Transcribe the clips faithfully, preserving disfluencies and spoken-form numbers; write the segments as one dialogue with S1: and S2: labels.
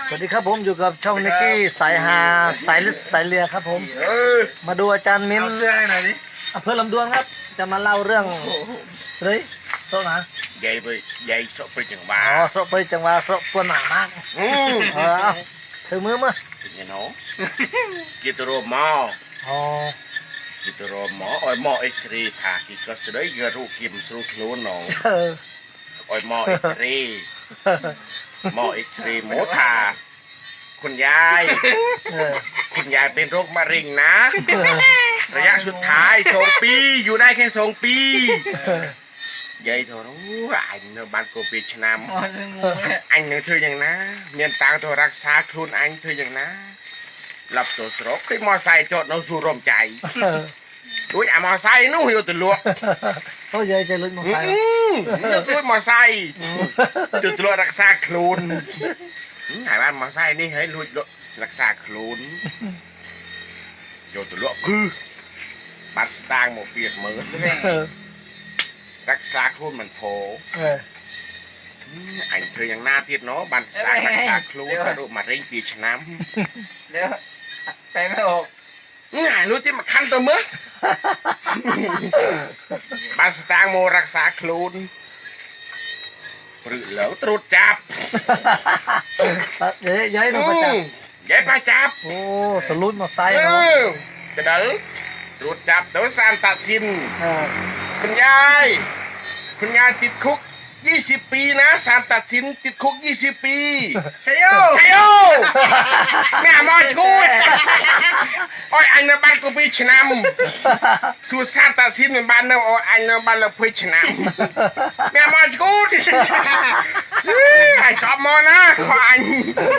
S1: สวัสดีครับผมอยู่กับช่องนิกกี้สายฮาสายลึกสายเลียครับผมมาดูอาจารย์มิ้น
S2: เอาเสื้อให้หน่อยดิ
S1: อำเภอลำดวนครับจะมาเล่าเรื่องสรีโซนะ
S2: ใหญ่ไปใหญ่สดไปจังหวะ
S1: อ๋อสระไปจังหวะสระปวนหนามาก
S2: อืม
S1: เออเอาถือมือมา
S2: เป็นยังไงกิตโรมอ
S1: อ๋อ
S2: กิตโรมออ้อยมอเอ็กซ์เรย์ผ่ากิก็สดายกระรูกิมสรุปโลนอง
S1: เออ
S2: อ้อยมอเอ็กซ์เรย์มอเอ็กซ์เรย์โมทาคุณยาย
S1: เออ
S2: คุณยายเป็นโรคมะเร็งนะ ระยะสุดท้ายสองปีอยู่ได้แค่สองปียายโทรรู้อันเนบ้านโกปีชนามอันเนเธออย่างนะเมียนตังตัวรักษาคลุนอันเธออย่างนะหลับตัวสรกขึ้นมอไซค์จอดเอาสู่ร่มใจด้วยอ่ะมอไซค์นู้อยู่ตัวลวก
S1: เขาใหญ่ใจลึกมาใส่
S2: อืมด้วยมอไซค์จุดตัวรักษาคลุนหายบ้านมอไซค์นี่ให้ลุยรักษาคลุนอยู่ตัวลวกคือบัตรสตางค์หมดเปียกมือ รักษาคลุนมันโผ
S1: เออ
S2: อันเธอยังหน้าเทียดเนาะบันสตางค์รักษาคลุนกระดูกมาเร่งปีชน้ำ
S3: เดี๋ยวไปไม่ออก
S2: ง่ายรู้ที่มาคันตัวมึงบันสตางค์โมรักษาคลุนหรือเหลวตรุดจับ
S1: ใหญ่ใหญ่ลงมาจับ
S2: ยายไปจับ
S1: โอ้ตะลุยมาใส่
S2: เอ
S1: เนาะ
S2: อจะเด้อตรุดจับโดยสารตัดสิน
S1: เออ
S2: คุณยาย คุณยายติดคุกยี่สิบปีนะสารตัดสินติดคุกยี่สิบปีใช่โยใช่โยแม่มอช่วยโอ้ยอันนั้นบ้านกูพีชนำสู่สารตัดสินในบ้านเราโอ้ยอันนั้นบ้านเราพีชนำแม่มอช่วยไอ้สอบมอนะขออัน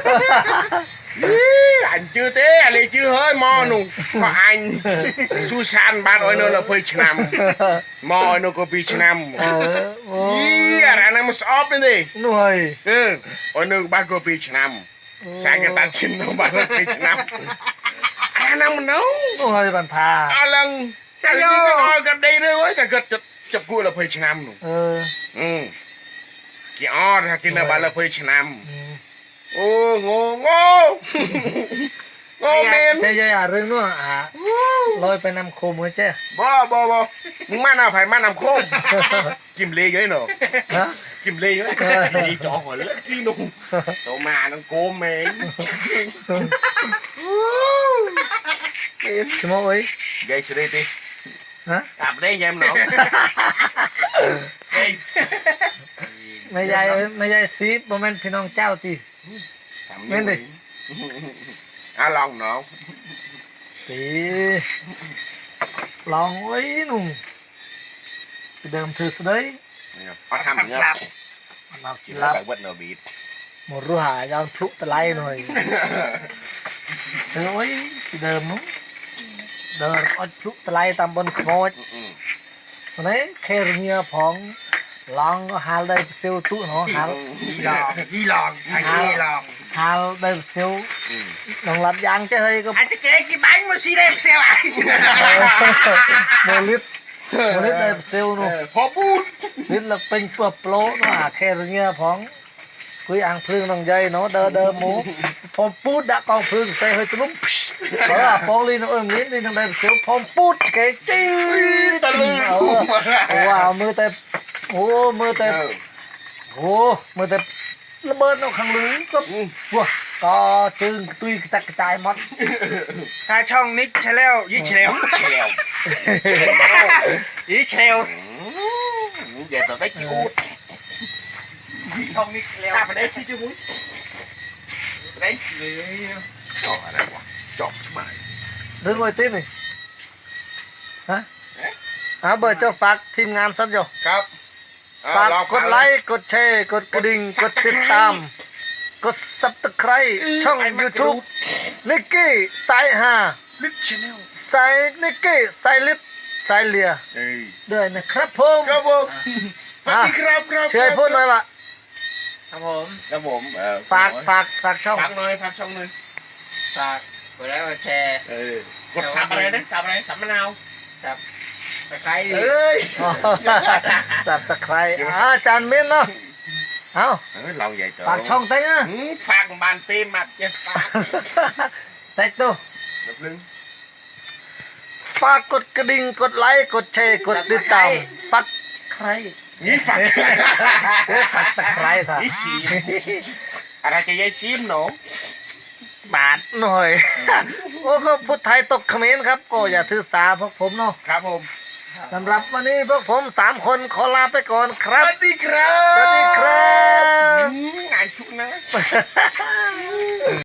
S2: อันชื่อเต้อะไรชื่อเฮ้ยมอหนูขออันสู่สารบ้านโอ้ยเราพีชนำมอโนกูพีชนำ
S1: เออโอ้
S2: Iya, rana mas op ini.
S1: หน่วย
S2: Eh, ono bago pitch nam. Saya tak cinta bago pitch nam. Rana menau.
S1: หน่วยบันทา
S2: Alang, saya kenalกับได้เลยว่าจะเกิดจับจับกูละpitch nam หนู
S1: เออ
S2: อืมกี่ออดกินละบาละpitch nam
S1: อืม
S2: โอ้โง่โง่โง่เมน
S1: เจ๊ยอ่ะเรื่องนู้นอ่ะลอยไปนำโคมเจ๊
S2: บ่บ่บ่มึงมาหน้าไผ่มาน้ำโคมกิมเลยเยอะหนอ
S1: ฮะ
S2: กิมเลยเยอะดีจ่อหัวเลือดกี่นุ่มโตมาน้ำโกมเมน
S1: ชิโมเอ้ย
S2: ยายสิได้ติ
S1: ฮะ
S2: อาบได้ยังหนอเฮ้ย
S1: ไม่ใหญ่เอ้ยไม่ใหญ่ซีดโมเมนต์พี่น้องเจ้าตี เม่นดิ
S2: อ่ะลองหนอ
S1: ตีลองไว้หนุ่มไปเดิมถือสได้
S2: เอาทำเงี้ย
S1: มา
S2: กิ
S1: สิ
S2: นแล้
S1: ลั
S2: ว
S1: บ
S2: แบบวัดโนบีด
S1: หมดรู้หายาวพลุตะไลหน่อยเออไว้ไปเดิมนู้นเดินเอดพลุตะไลตามบนขโมยสมัยเคยเงียผองลองก็หาได้เซลตู้เนาะหา
S2: พี่ลองพี่ลองไอ้พี่ลอง
S1: หาได้เซลลองรัดยางเจ้าเฮ้ยก็
S3: อาจจะเก๋กี่บังมาซีเล็บเซลไอ้
S1: โมลิสโมลิสได้เซลนู่น
S2: พอพูด
S1: ลิสละเป็นเปลือกโปรเนาะแค่เงี้ยผองคุยอ่างพลึงน้องใหญ่เนาะเดินเดินหมูพอพูดดะกองพลึงใส่เฮ้ยตุ้มเพราะว่าปองลีนเอิมลิ้นลีนทางใดเซลพอพูดเก๋จิ้ว
S2: ตะลึง
S1: เอาว่ามือแต่โอ้มือแต่โอ้มือแต่ระเบิดเอาข้างลึงก็ว้าก็จึงตุยกระจัดกระจายหมด
S3: ถ้าช่องนิกใช่แล้วยี่เชล
S2: เชล
S3: ยี่เชล
S2: เดี๋ยวต่อได้กี่อูด
S3: ช่องนิกแล้ว
S2: ถ้าไปได้สิจูมุ้ยได้จอบอะไรวะจอบสบาย
S1: เรื่องไว้ติ้นี่ฮะอ่าเบอร์เจ้าฝากทีมงานสักอยู่
S2: ครับ
S1: ฝากกดไลค์กดแชร์กดกระดิ่งกดติดตามกดซับสไครต์ช่อง YouTube นิกกี้สายฮา
S2: ลิทชแนล
S1: สายนิกกี้สายลิศสายเลีย
S2: เอ้ย
S1: ด้วยนะครับผม
S2: ครับผมสวัสดีครับครับ
S1: เชื่อให้พูดหน่อยว่า
S3: ครับผม
S2: ครับผมเออ
S1: ฝากฝากฝากช่อง
S2: ฝากหน่อยฝากช่องหน่อย
S3: ฝากกดไลค์กดแชร์
S2: เออกดสับอะไรนะสับอะไรสับมะนาว
S3: ครับตะไคร้
S2: เอ้ย
S1: สับตะไคร้อาจารย์มิ้นเนาะเอ้า
S2: เออเราใหญ่โต
S1: ฝากช่องเต้นะ
S2: หืมฝากบานเต้มัดอย่าฝาก
S1: เต้ตัว
S2: แบบนึง
S1: ฝากกดกระดิ่งกดไลค์กดแชร์กดติดตามฝากใคร
S2: นี่ฝาก
S1: โอ้ฝากตะไคร้ค่ะ
S2: นี่สีอะไรจะยายซีมหนู
S1: บาทหน่อย โอ้ก็พูดไทยตกเขมรครับ ก็อย่าถือสาพวกผมเนาะ
S2: ครับผม
S1: สำหรับวันนี้พวกผมสามคนขอลาไปก่อนค
S2: ส
S1: รับ
S2: วัสดีครับ
S1: สวัสดีครับ
S2: อืมง่ายชุกนะ